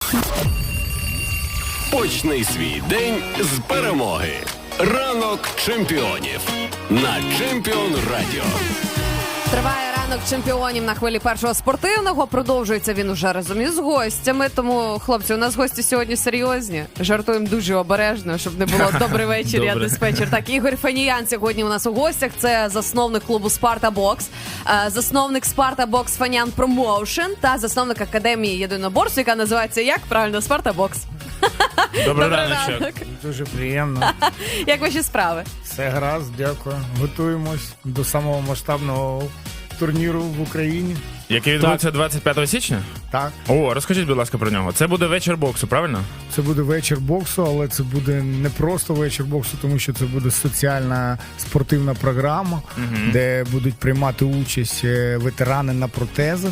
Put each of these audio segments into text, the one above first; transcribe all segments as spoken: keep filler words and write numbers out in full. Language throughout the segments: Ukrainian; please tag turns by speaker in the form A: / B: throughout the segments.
A: Почни свій день з перемоги. Ранок чемпіонів на Чемпіон Радіо.
B: Триває ранок чемпіонів на хвилі першого спортивного. Продовжується він уже разом із гостями. Тому, хлопці, у нас гості сьогодні серйозні. Жартуємо дуже обережно, щоб не було добрий вечір, я диспетчер. Так, Ігор Феніян сьогодні у нас у гостях. Це засновник клубу «Спарта Бокс», засновник «Спарта Бокс Феніян Промоушен» та засновник академії єдиноборств, яка називається як? Правильно, «Спарта Бокс».
C: Добрий ранок.
D: Дуже приємно.
B: Як ваші справи?
D: Все гаразд, дякую. Готуємось до самого масштабного турніру в Україні.
C: Який відбудеться двадцять п'ятого січня?
D: Так.
C: О, розкажіть, будь ласка, про нього. Це буде вечір боксу, правильно?
D: Це буде вечір боксу, але це буде не просто вечір боксу, тому що це буде соціальна спортивна програма, угу. де будуть приймати участь ветерани на протезах.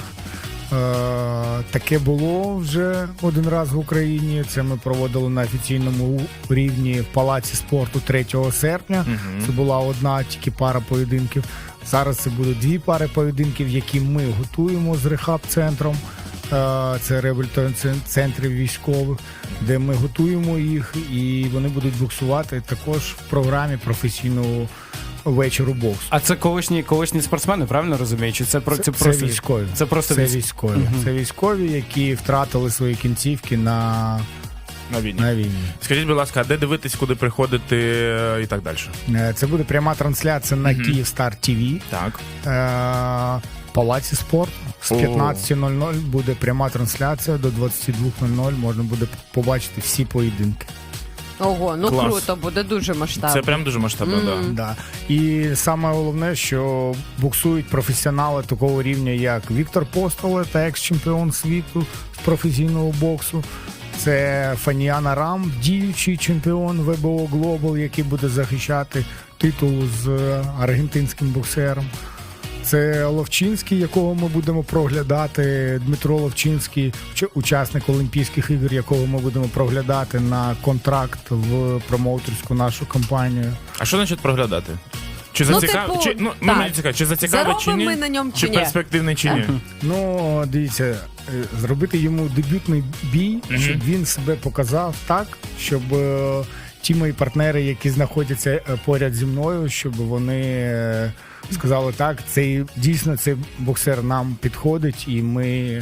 D: Е, таке було вже один раз в Україні. Це ми проводили на офіційному рівні в Палаці спорту третього серпня. Uh-huh. Це була одна тільки пара поєдинків. Зараз це будуть дві пари поєдинків, які ми готуємо з рехаб-центром. Е, це реабілітаційні центрів військових, де ми готуємо їх, і вони будуть боксувати також в програмі професійного вечору боксу.
E: А це колишні, колишні спортсмени, правильно розумію? Чи це, про,
D: це,
E: це,
D: це
E: просто
D: військові.
E: Це просто
D: це
E: військ...
D: військові.
E: Угу.
D: Це військові, які втратили свої кінцівки на,
C: на, війні.
D: на війні.
C: Скажіть, будь ласка, а де дивитись, куди приходити і так далі?
D: Це буде пряма трансляція на угу. Київстар ТВ.
C: Так.
D: Е- в Палаці спорту. З п'ятнадцята нуль нуль буде пряма трансляція, до двадцять два нуль нуль можна буде побачити всі поєдинки.
B: Ого, ну
C: Клас.
B: Круто, буде дуже масштабно.
C: Це прям дуже масштабно, так.
B: Mm.
D: Да. І саме головне, що боксують професіонали такого рівня, як Віктор Постоле та екс-чемпіон світу з професійного боксу. Це Феніян Арам, діючий чемпіон ве бе о Global, який буде захищати титул з аргентинським боксером. Це Ловчинський, якого ми будемо проглядати, Дмитро Ловчинський, учасник Олімпійських ігор, якого ми будемо проглядати на контракт в промоутерську нашу компанію.
C: А що значить проглядати? Чи
B: ну,
C: зацікав...
B: типу,
C: чи, ну, ну, мені цікаво, чи зацікавить чи ні?
B: Ми на ньому,
C: чи,
B: чи ні?
C: перспективний чи ні?
D: Ну, дивіться, зробити йому дебютний бій, mm-hmm. щоб він себе показав так, щоб ті мої партнери, які знаходяться поряд зі мною, щоб вони сказали так, цей, дійсно цей боксер нам підходить і ми,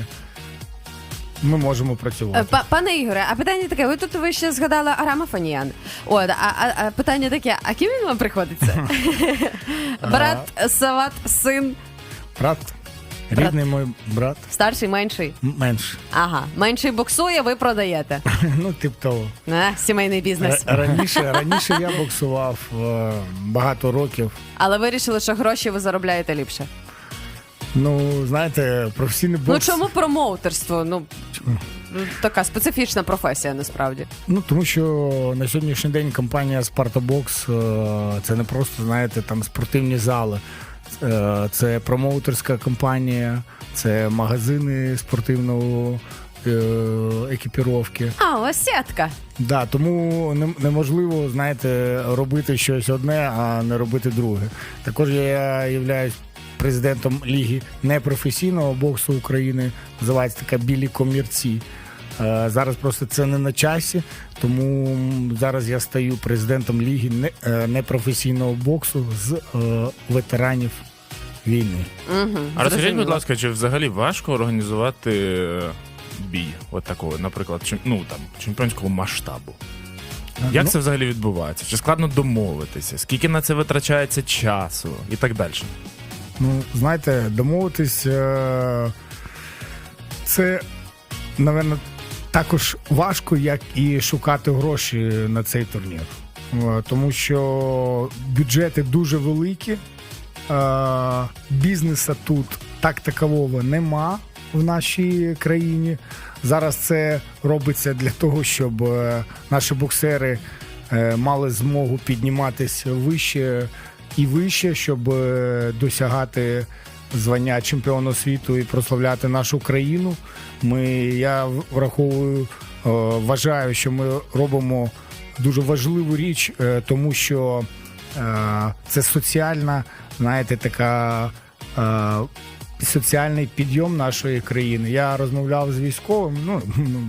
D: ми можемо працювати.
B: П- Пане Ігоре, а питання таке, ви тут ви ще згадали Арама Феніян. От, а, а, а питання таке, а ким він вам приходиться? Брат, сват, син?
D: Брат. Рідний мій брат.
B: Старший, менший?
D: Менший.
B: Ага, менший боксує, ви продаєте.
D: Ну, тип того.
B: Не, сімейний бізнес.
D: Раніше, раніше я боксував е, багато років.
B: Але вирішили, що гроші ви заробляєте ліпше.
D: Ну, знаєте, професійний бокс...
B: Ну, чому промоутерство? Ну, така специфічна професія, насправді.
D: Ну, тому що на сьогоднішній день компанія «Спарта Бокс» е, це не просто, знаєте, там спортивні зали. Це промоутерська компанія, це магазини спортивної е, екіпіровки.
B: А, ось сітка.
D: Да, тому неможливо, знаєте, робити щось одне, а не робити друге. Також я являюсь президентом Ліги непрофесійного боксу України, називається така «Білі комірці». Зараз просто це не на часі, тому зараз я стаю президентом Ліги непрофесійного боксу з е, ветеранів війни.
B: Угу,
C: а розкажіть, будь ласка, чи взагалі важко організувати бій от такого, наприклад, чим, ну, там, чемпіонського масштабу? Як ну, це взагалі відбувається? Чи складно домовитися? Скільки на це витрачається часу? І так далі?
D: Ну, знаєте, домовитись е, це, напевно, також важко, як і шукати гроші на цей турнір. Тому що бюджети дуже великі, бізнесу тут так такового нема в нашій країні. Зараз це робиться для того, щоб наші боксери мали змогу підніматися вище і вище, щоб досягати звання чемпіона світу і прославляти нашу країну. Ми, я враховую, вважаю, що ми робимо дуже важливу річ, тому що це соціальна, знаєте, така соціальний підйом нашої країни. Я розмовляв з військовим, ну,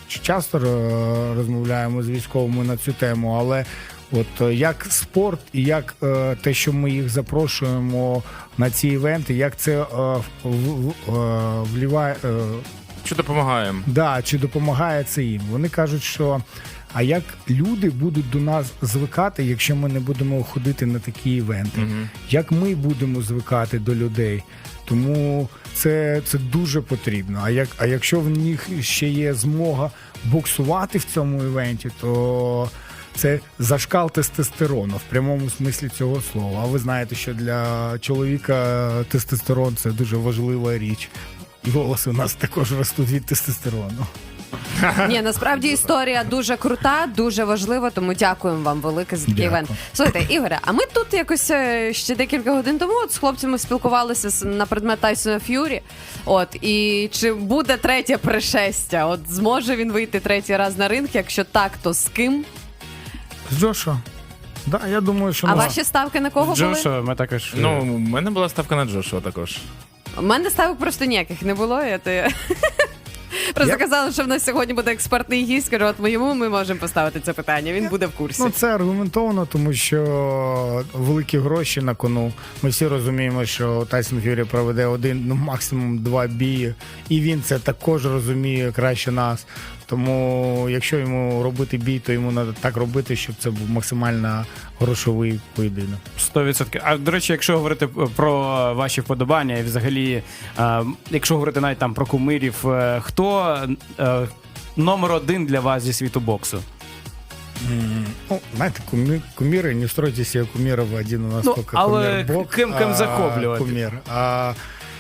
D: часто е, розмовляємо з військовими на цю тему, але от е, як спорт і як е, те, що ми їх запрошуємо на ці івенти, як це е, в, в, е, вліває, е,
C: Чи допомагаємо?
D: да, чи допомагає це їм. Вони кажуть, що а як люди будуть до нас звикати, якщо ми не будемо ходити на такі івенти?
C: Угу.
D: Як ми будемо звикати до людей? Тому це, це дуже потрібно. А як а якщо в них ще є змога боксувати в цьому івенті, то це зашкал тестостерону в прямому смислі цього слова. А ви знаєте, що для чоловіка тестостерон це дуже важлива річ. І волоси у нас також ростуть від тестостерону.
B: Ні, насправді історія дуже крута, дуже важлива, тому дякуємо вам велике за такий
D: Дякую.
B: івент. Слухайте, Ігоре, а ми тут якось е, ще декілька годин тому от з хлопцями спілкувалися з- на предмет Тайсона Ф'юрі. От, і чи буде третє пришестя? От зможе він вийти третій раз на ринг? Якщо так, то з ким?
D: З Джошуа? Да, я думаю, що
B: А
D: ну,
B: ваші ставки на кого були?
E: Джошуа, ми також...
C: Ну, у мене була ставка на Джошуа також.
B: У мене ставок просто ніяких не було. Я то... Просто
D: Я-
B: казали, що в нас сьогодні буде експертний гість. Кажу, от йому ми можемо поставити це питання. Він буде в курсі.
D: Ну, це аргументовано, тому що великі гроші на кону. Ми всі розуміємо, що Тайсон Ф'юрі проведе один, ну максимум два бії, і він це також розуміє краще нас. Тому, якщо йому робити бій, то йому треба так робити, щоб це був максимально грошовий поєдинок.
E: сто відсотків. А до речі, якщо говорити про ваші вподобання, і взагалі, е, якщо говорити навіть там про кумирів, е, хто е, номер один для вас зі світу боксу?
D: Ну, знаєте, кумі, куміри, не стройте себе кумиров, один у нас
E: Ну,
D: тільки
E: але
D: кумір бок,
E: ким- ким
D: а,
E: захоплювати?
D: Кумір. А,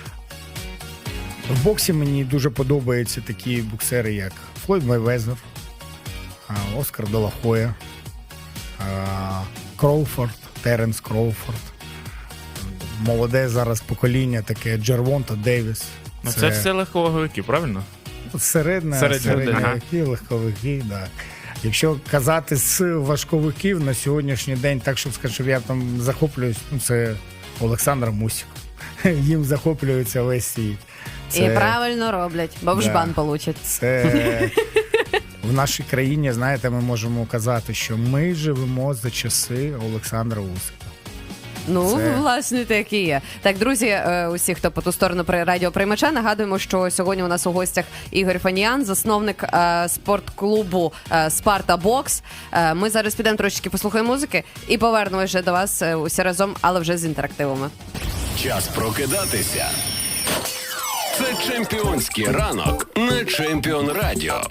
D: в боксі мені дуже подобаються такі боксери, як Флойд Мейвезер, а, Оскар Де Ла Хоя, а, Кроуфорд, Теренс Кроуфорд. Молоде зараз покоління, таке Джервонта Девіс.
C: Ну, це все легковаговики, правильно?
D: Середня,
C: Середня
D: середня
C: людина.
D: легкі, легковики, так. Якщо казати з важковиків на сьогоднішній день, так щоб сказати, що я там захоплююсь, ну це Олександр Мусік. Їм захоплюється весь світ.
B: І правильно роблять, бо в
D: Да.
B: жбан получать.
D: Це в нашій країні, знаєте, ми можемо казати, що ми живемо за часи Олександра Усика.
B: Ну,
D: Це-
B: власне, так і є. Так, друзі, е, усі, хто по ту сторону при радіоприймача, нагадуємо, що сьогодні у нас у гостях Ігор Фаніян, засновник е, спортклубу е, Спарта Бокс. Е, ми зараз підемо трошечки послухаємо музики і повернемося вже до вас е, усі разом, але вже з інтерактивами.
A: Час прокидатися. Це чемпіонський ранок на Чемпіон Радіо.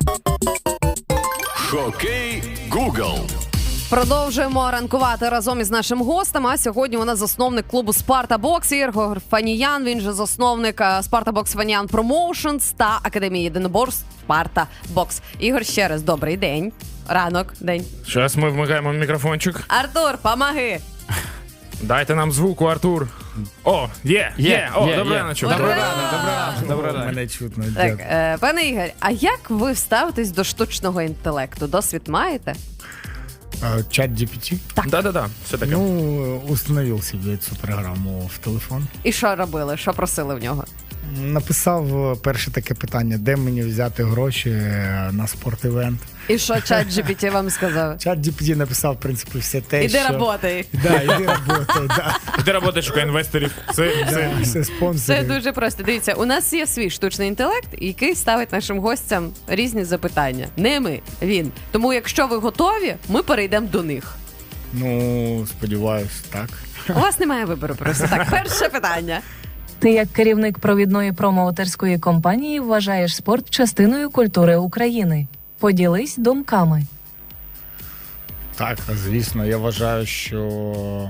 A: Хокей Google.
B: Продовжуємо ранкувати разом із нашим гостем. А сьогодні у нас засновник клубу Спарта Бокс Ігор Фаніян. Він же засновник е, Спарта Бокс Фаніян Промоушенс та Академії єдиноборств Спарта Бокс. Ігор, ще раз добрий день. Ранок, день.
C: Зараз ми вмикаємо мікрофончик.
B: Артур, помоги.
C: Дайте нам звуку, Артур. О, є, є. О,
E: є,
C: добре
E: є.
C: раночок.
B: Добрий
C: Добре
B: ранок.
E: Добрий ранок, добрий ранок.
D: Мене чутно.
B: Так,
D: дякую.
B: е, пане Ігор, а як ви ставитесь до штучного інтелекту? Досвід маєте?
D: А, Чат джі пі ті?
C: Да-да-да, все таке.
D: Ну, установив собі цю програму в телефон.
B: І що робили? Що просили в нього?
D: Написав е, перше таке питання, де мені взяти гроші е, на спорт-івент.
B: І що чат джі пі ті вам сказав?
D: Чат джі пі ті написав, в принципі, все те,
B: Іди
D: що...
B: роботай.
D: Да, іди роботай, да.
C: Ти робота шукає інвесторів. Це,
D: Да,
C: це.
D: все
B: Це
D: спонсори.
B: дуже просто. Дивіться, у нас є свій штучний інтелект, який ставить нашим гостям різні запитання. Не ми, він. Тому, якщо ви готові, ми перейдемо до них.
D: Ну, сподіваюсь, так.
B: У вас немає вибору просто. Так, перше питання.
F: Ти як керівник провідної промоутерської компанії вважаєш спорт частиною культури України. Поділись думками.
D: Так, звісно, я вважаю, що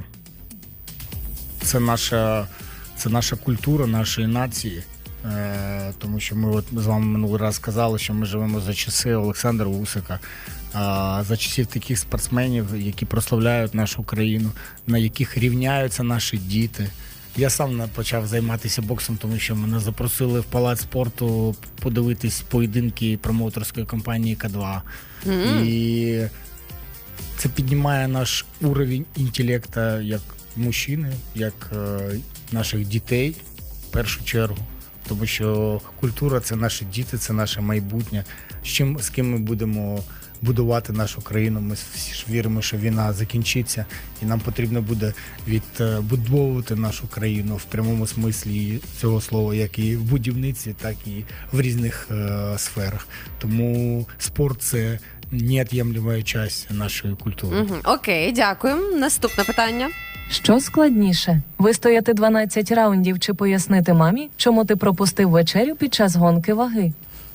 D: це наша, це наша культура нашої нації. Е, тому що ми от з вами минулий раз сказали, що ми живемо за часи Олександра Усика, а, за часів таких спортсменів, які прославляють нашу країну, на яких рівняються наші діти. Я сам на- почав займатися боксом, тому що мене запросили в палац спорту подивитись поєдинки промоутерської компанії К два. І це піднімає наш уровень інтелекту як мужчини, як е, наших дітей в першу чергу. тому що культура це наші діти, це наше майбутнє. З чим з ким ми будемо будувати нашу країну? Ми всі ж віримо, що війна закінчиться, і нам потрібно буде відбудовувати нашу країну в прямому смислі цього слова, як і в будівництві, так і в різних е, сферах. Тому спорт це неот'ємлема частина нашої культури.
B: Угу. Окей, дякую. Наступне питання.
F: Що складніше: вистояти дванадцять раундів чи пояснити мамі, чому ти пропустив вечерю під час гонки ваги?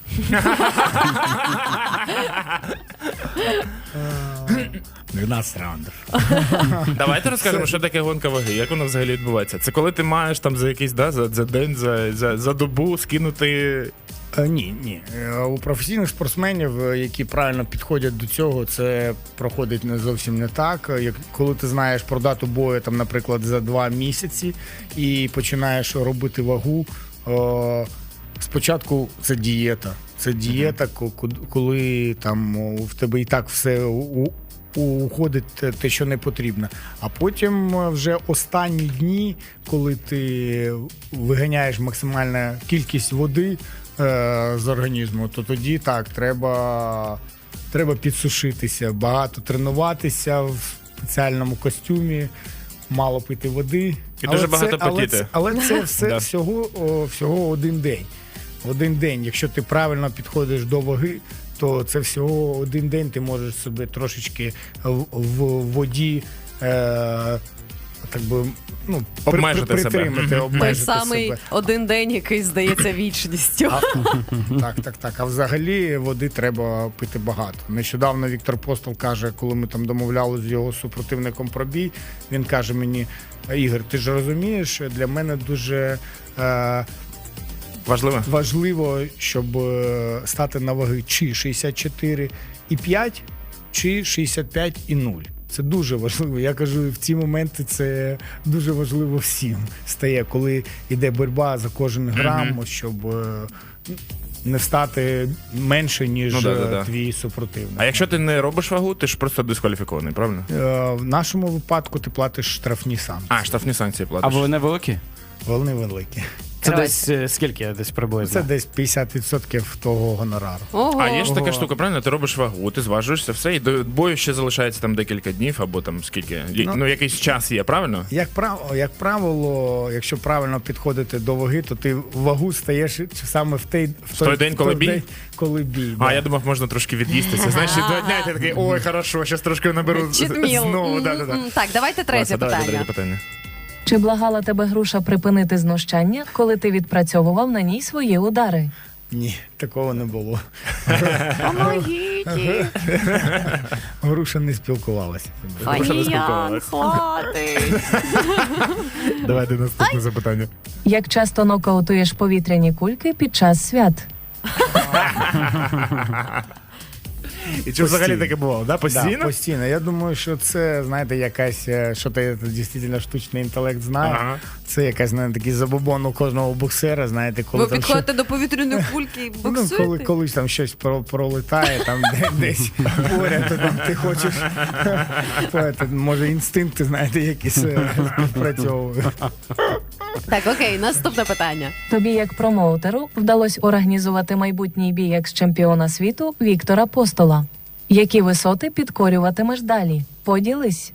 D: дванадцять раундів.
C: Давайте розкажемо, що таке гонка ваги, як воно взагалі відбувається. Це коли ти маєш там за якийсь, да, за, за день, за, за, за добу скинути.
D: Е, Ні, ні. Е, У професійних спортсменів, е, які правильно підходять до цього, це проходить не зовсім не так. Як коли ти знаєш про дату бою, там, наприклад, за два місяці і починаєш робити вагу. Е, Спочатку це дієта. Це дієта, ко- коли там о, в тебе і так все у- уходить те- те, що не потрібно. А потім е, вже останні дні, коли ти виганяєш максимальну кількість води е, з організму, то тоді так, треба, треба підсушитися, багато тренуватися в спеціальному костюмі, мало пити води.
C: І дуже багато
D: але
C: потіти.
D: це, але це все
C: Да.
D: всього, о, всього один день. Один день. Якщо ти правильно підходиш до ваги, то це всього один день. Ти можеш себе трошечки в, в воді е, так би, ну, при-
C: Обмежити
D: при-
C: себе.
D: притримати,
C: Мгм.
B: Той
D: обмежити
B: самий
D: себе.
B: один день, який здається вічністю.
D: Так, так, так. А взагалі води треба пити багато. Нещодавно Віктор Постол каже, коли ми там домовлялися з його супротивником про бій, він каже мені: Ігор, ти ж розумієш, для мене дуже е,
C: Важливо?
D: важливо, щоб е, стати на ваги чи шістдесят чотири і п'ять, чи шістдесят п'ять і нуль. Це дуже важливо. Я кажу, в ці моменти це дуже важливо всім стає, коли йде боротьба за кожен грам, щоб е, не стати менше, ніж
C: Ну, да, да,
D: е,
C: да.
D: твій супротивник.
C: А якщо ти не робиш вагу, ти ж просто дискваліфікований, правильно?
D: Е, в нашому випадку ти платиш штрафні санкції.
C: А, штрафні санкції
E: А
C: платиш.
E: вони великі?
D: Вони великі.
E: Це
B: Коротше.
E: десь е, скільки десь приблизно?
D: Це десь п'ятдесят відсотків того гонорару.
B: Ого.
C: А є ж така
D: Ого.
C: штука, правильно? Ти робиш вагу, ти зважуєшся, все, і до бою ще залишається там декілька днів, або там скільки. Є- Ну,
D: Ну,
C: якийсь час є, правильно?
D: Як правило, як правило, якщо правильно підходити до ваги, то ти вагу стаєш саме в той, в
C: той день, коли бій?
D: день, коли бій.
C: А
D: да.
C: я думав, можна трошки від'їстися. Знаєш, і два дня і ти такий, ой, хорошо, зараз трошки наберу з-
B: Читміл.
C: знову.
B: Мгм,
C: Да, да, да.
B: мгм. Так, давайте третє
C: Класно, давайте,
B: питання.
C: третє питання.
F: Чи благала тебе груша припинити знущання, коли ти відпрацьовував на ній свої удари?
D: Ні, такого не було.
B: Помогіть!
D: Груша не спілкувалася.
C: Груша не
B: Фаніян,
C: спілкувалась.
B: хватить!
C: Давайте наступне запитання.
F: Як часто нокаутуєш повітряні кульки під час свят?
C: І чи взагалі
D: Постійно.
C: таке бувало? Да?
D: Да,
C: Постійно?
D: постійно. Я думаю, що це, знаєте, якась, е, що ти дійсно штучний інтелект знає.
C: Ага.
D: Це якась, знаєте, такий забобон у кожного боксера, знаєте, коли
B: Ви
D: там що-
B: підходите до повітряної кульки і
D: Ну,
B: боксуєте?
D: коли колись там щось про- пролетає, там де- десь поряд, то там ти хочеш. Це, може, інстинкти, знаєте, якісь е, спрацьовують.
B: Так, окей, наступне питання.
F: Тобі, як промоутеру, вдалося організувати майбутній бій екс-чемпіона світу Віктора Постола. Які висоти підкорюватимеш далі? Поділись.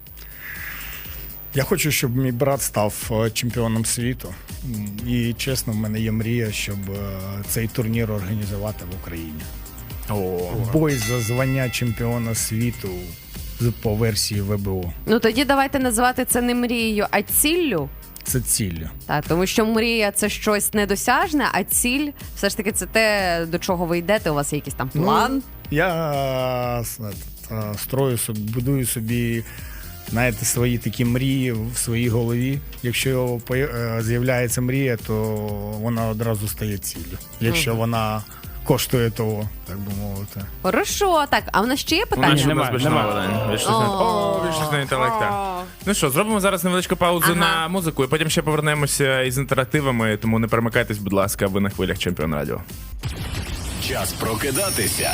D: Я хочу, щоб мій брат став е, чемпіоном світу. М, І чесно, в мене є мрія, щоб е, цей турнір організувати в Україні.
C: О,
D: Бой за звання чемпіона світу з- по версії ве бе о.
B: Ну тоді давайте називати це не мрією, а ціллю.
D: Це ціль.
B: Так, тому що мрія це щось недосяжне, а ціль все ж таки це те, до чого ви йдете. У вас є якийсь там план.
D: Ну, я е, с- е, строю собі, будую собі, знаєте, свої такі мрії в своїй голові. Якщо поя- е, з'являється мрія, то вона одразу стає ціллю. Якщо вона коштує того, так би мовити.
B: Хорошо, так, а в нас ще є
C: у нас
B: питання?
C: ще
E: Немає,
C: безпечне
E: немає.
C: питання. Вічне- О, вічне інтелекта. Ну що, зробимо зараз невеличку паузу
B: Ага.
C: на музику, і потім ще повернемося із інтерактивами, тому не перемикайтесь, будь ласка, ви на хвилях Чемпіон Радіо.
A: Час прокидатися.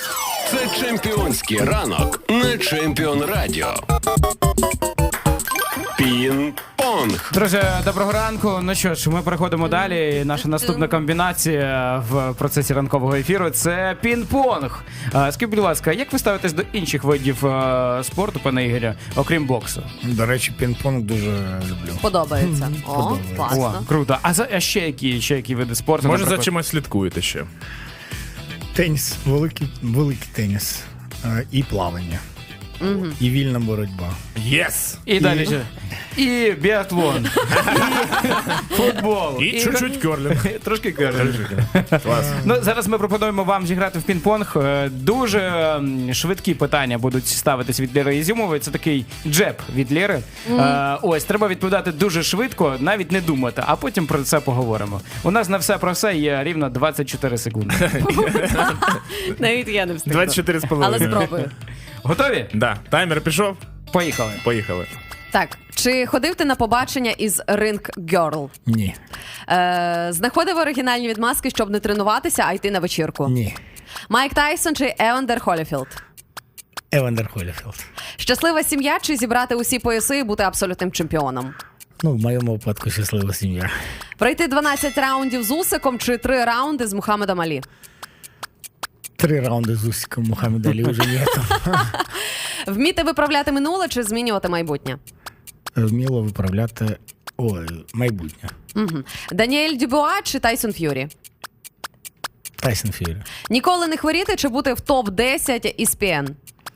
A: Це чемпіонський ранок на Чемпіон Радіо. Пін-понг.
E: Друзі, доброго ранку. Ну що ж, ми переходимо далі. Наша наступна комбінація в процесі ранкового ефіру – це пінг-понг. А, Скажіть, будь ласка, як ви ставитесь до інших видів а, спорту, пане Ігоря, окрім боксу?
D: До речі, пінг-понг дуже люблю.
B: Подобається. О,
D: Подобається.
B: класно.
E: О, круто. А, за, а ще які, ще які види спорту?
C: Може, за
E: наприклад?
C: чимось слідкуєте ще?
D: Теніс, великий, великий теніс. Е, І плавання. І вільна боротьба.
C: Єс!
E: І далі ще. І біатлон. І футбол.
C: І чуть-чуть керлінг.
E: Трошки керлінг.
C: Клас.
E: Ну, зараз ми пропонуємо вам зіграти в пінг-понг. Е, Дуже м, швидкі питання будуть ставитись від Лєри Ізюмової. Це такий джеб від Лєри. Е, Ось, треба відповідати дуже швидко, навіть не думати, а потім про це поговоримо. У нас на все про все є рівно двадцять чотири секунди.
B: Навіть я не встигну.
C: двадцять чотири з
B: Але
C: половиною.
B: спробую.
E: Готові?
C: Да, таймер пішов.
E: Поїхали.
C: Поїхали.
B: Так, чи ходив ти на побачення із Ring Girl?
D: Ні.
B: Е, знаходив оригінальні відмазки, щоб не тренуватися, а йти на вечірку?
D: Ні.
B: Майк Тайсон чи Евандер Холіфілд?
D: Евандер Холіфілд.
B: Щаслива сім'я чи зібрати усі пояси і бути абсолютним чемпіоном?
D: Ну, в моєму випадку щаслива сім'я.
B: Пройти дванадцять раундів з Усиком чи три раунди з Мухаммедом Алі?
D: Три раунди з Усиком Мухаммеда Алі вже є.
B: Вміти виправляти минуле чи змінювати майбутнє?
D: Вміло виправляти ой, майбутнє.
B: Угу. Даніель Дюбуа чи Тайсон Ф'юрі?
D: Тайсон Ф'юрі.
B: Ніколи не хворіти чи бути в топ десять із пі ен?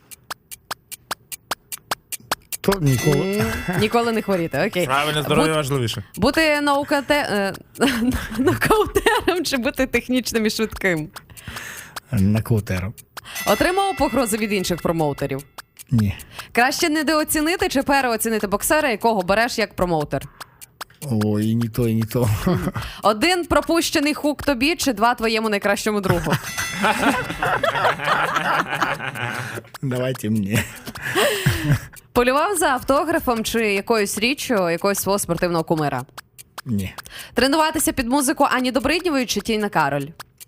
D: То ніколи.
B: Ніколи не хворіти, окей.
C: Правильно, здоров'я
B: Бут-
C: важливіше.
B: Бути наукате... е, нокаутером чи бути технічним і швидким?
D: Нокаутером.
B: Отримав погрози від інших промоутерів?
D: Ні.
B: Краще недооцінити чи переоцінити боксера, якого береш як промоутер?
D: Ой, і ні то, і ні то.
B: Один пропущений хук тобі чи два твоєму найкращому другу?
D: Давайте мені.
B: Полював за автографом чи якоюсь річчю якогось свого спортивного кумира?
D: Ні.
B: Тренуватися під музику Ані Добриднєвої чи Тіна Кароль?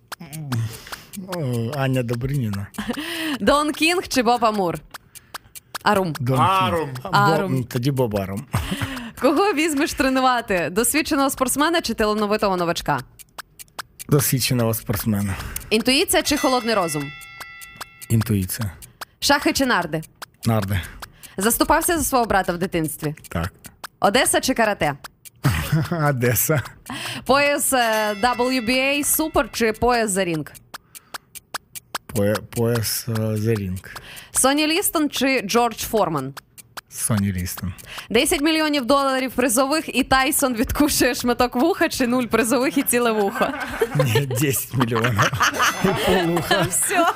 D: О, Аня Добриніна.
B: Дон Кінг чи Боб Амур? Арум.
D: Дон
C: Арум.
D: Кінг.
B: Арум.
D: Бо- Тоді Бобаром.
B: Кого візьмеш тренувати? Досвідченого спортсмена чи талановитого новачка?
D: Досвідченого спортсмена.
B: Інтуїція чи холодний розум?
D: Інтуїція.
B: Шахи чи нарди?
D: Нарди.
B: Заступався за свого брата в дитинстві?
D: Так.
B: Одеса чи карате?
D: Одеса.
B: Пояс е, дабл ю бі ей Супер чи пояс за рінг?
D: Поя- Пояс е, Зерінг.
B: Соні Лістон чи Джордж Форман?
D: Соні Лістон.
B: десять мільйонів доларів призових і Тайсон відкушує шматок вуха чи нуль призових і ціле вухо?
D: Ні, десять мільйонів. І полуха.
B: Все.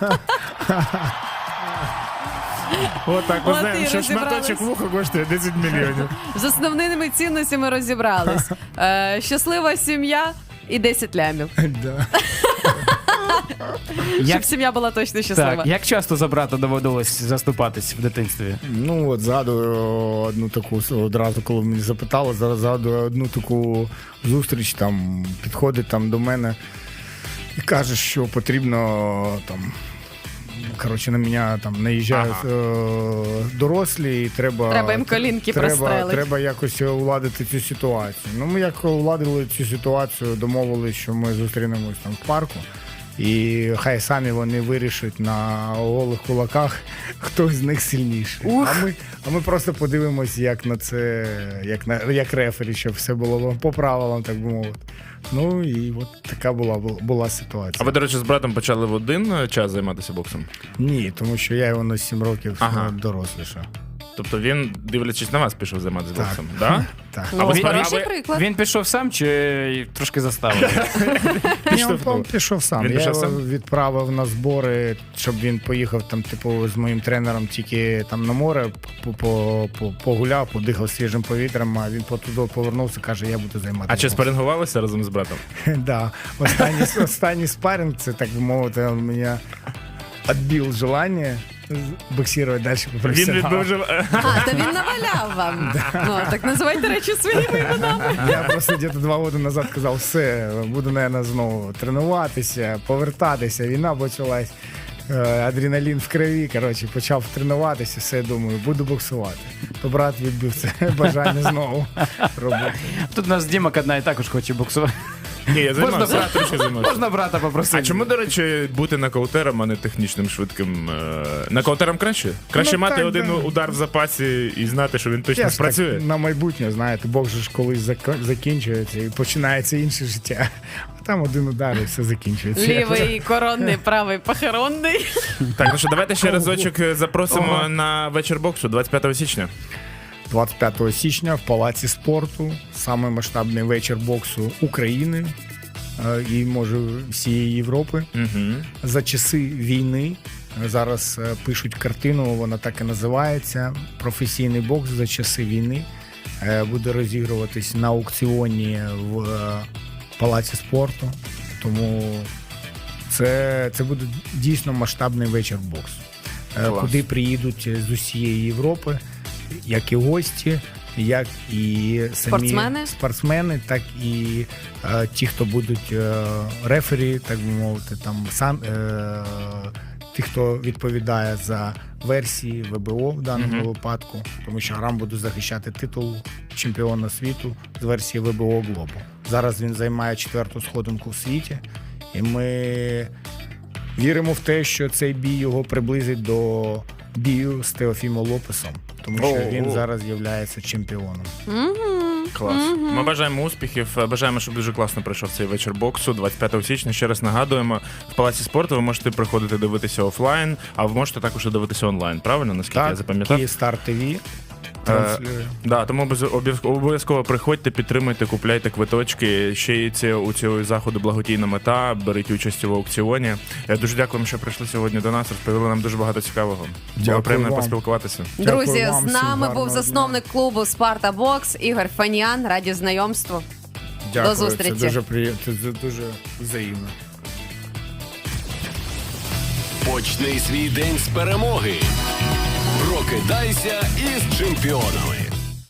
C: Отак, ми
B: От
C: знаємо,
B: і
C: що
B: розібрались.
C: шматочок вуха коштує десять мільйонів.
B: З основними цінностями розібрались. Е, щаслива сім'я і десять лямів.
D: Да.
B: Щоб
E: Як,
B: сім'я була точно щаслива.
E: так, як часто за брата доводилось заступатись в дитинстві?
D: Ну от згадую одну таку одразу, коли мені запитали, зараз згадую одну таку зустріч, там підходить там до мене і каже, що потрібно там. Коротше, на мене там наїжджають
C: Ага.
D: е, дорослі, і треба,
B: Треба їм колінки
D: треба,
B: прострелить.
D: треба якось уладити цю ситуацію. Ну, ми як уладили цю ситуацію, домовилися, що ми зустрінемось там в парку. І хай самі вони вирішать на голих кулаках, хто з них сильніший. А ми, а ми просто подивимось, як на це, як на як рефері, щоб все було по правилам, так би мовити. Ну і от така була була
C: А
D: ситуація.
C: ви, до речі, з братом почали в один час займатися боксом?
D: Ні, тому що я його на сім років
C: Ага.
D: доросліше.
C: Тобто він, дивлячись на вас, пішов займатися
D: Так.
C: боксом, да?
D: Так.
C: А ви
B: О,
C: з пара-
B: хороший
C: а ви-
B: приклад.
E: Він пішов сам чи трошки заставив?
D: Ні, він пішов, пішов сам.
C: Він
D: я
C: пішов
D: його
C: сам?
D: відправив на збори, щоб він поїхав там, типу, з моїм тренером тільки там на море, по- по- по- погуляв, подихав свіжим повітрям, а він потуди повернувся, каже, я буду займатися.
C: А чи спарингувалися разом з братом?
D: Да. Останній, останній спарринг, це так би мовити, у мене відбив желання боксувати далі по
C: Він
D: професіоналу.
C: відбив же...
B: А, то він наваляв вам. Ну, так називайте речі своїми іменами.
D: Я просто десь два роки назад казав, все, буду, мабуть, знову тренуватися, повертатися, війна почалась. Е, Адреналін в крові, коротше, почав тренуватися, все, думаю, буду боксувати. То брат відбив це бажання знову робити.
E: Тут у нас Діма Каднай також хоче боксувати.
C: Ні, я
E: Можна
C: займався,
E: брати?
C: трішки займався.
E: Можна брата попросити.
C: А чому, до речі, бути нокаутером, а не технічним швидким? е, Нокаутером краще? Краще
D: Ну,
C: мати
D: так,
C: один
D: да.
C: удар в запасі і знати, що він точно
D: Я ж
C: спрацює?
D: так, на майбутнє, знаєте, бокс же ж колись зак- закінчується і починається інше життя. А там один удар і все закінчується.
B: Лівий коронний, правий похоронний.
C: Так, ну що, давайте ще разочок запросимо на вечір боксу двадцять п'ятого січня.
D: двадцять п'ятого січня в Палаці спорту, самий масштабний вечір боксу України е, і, може, всієї Європи.
C: Угу.
D: За часи війни зараз е, пишуть картину, вона так і називається «Професійний бокс за часи війни». Е, Буде розігруватись на аукціоні в е, Палаці спорту. Тому це, це буде дійсно масштабний вечір боксу. Е,
C: Клас.
D: Куди приїдуть з усієї Європи, як і гості, як і самі
B: Спортсмени?
D: спортсмени, так і е, ті, хто будуть е, рефері, так би мовити, там сам е, ті, хто відповідає за версії ВБО в даному
C: Мгм.
D: випадку, тому що Арам буде захищати титул чемпіона світу з версії ВБО Глобу. Зараз він займає четверту сходинку в світі, і ми віримо в те, що цей бій його приблизить до бію з Теофімо Лопесом, тому що
C: О-о.
D: він зараз є чемпіоном.
C: Клас. Ми бажаємо успіхів, бажаємо, щоб дуже класно пройшов цей вечір боксу двадцять п'ятого січня. Ще раз нагадуємо, в Палаці спорту ви можете приходити дивитися офлайн, а ви можете також і дивитися онлайн, правильно, наскільки я
D: Так,
C: запам'ятав?
D: Київстар ТВ
C: Е,
D: транслює.
C: Да, тому обов'яз- обов'яз- обов'язково приходьте, підтримуйте, купляйте квиточки. Ще й це у цього заходу благодійна мета. Беріть участь в аукціоні. Я дуже дякуємо, що прийшли сьогодні до нас. Розповіли нам дуже багато цікавого. Було
D: Дякую
C: приємно
D: вам.
C: поспілкуватися.
D: Дякую
B: Друзі,
D: вам,
B: з
D: всім
B: нами
D: гарного
B: був
D: дня.
B: засновник клубу Спарта Бокс Ігор Фаніан. Раді знайомству.
D: Дякую,
B: зустрічі.
D: Це дуже приємно, це дуже взаємно.
A: Почни свій день з перемоги. Прокидайся із чемпіонами.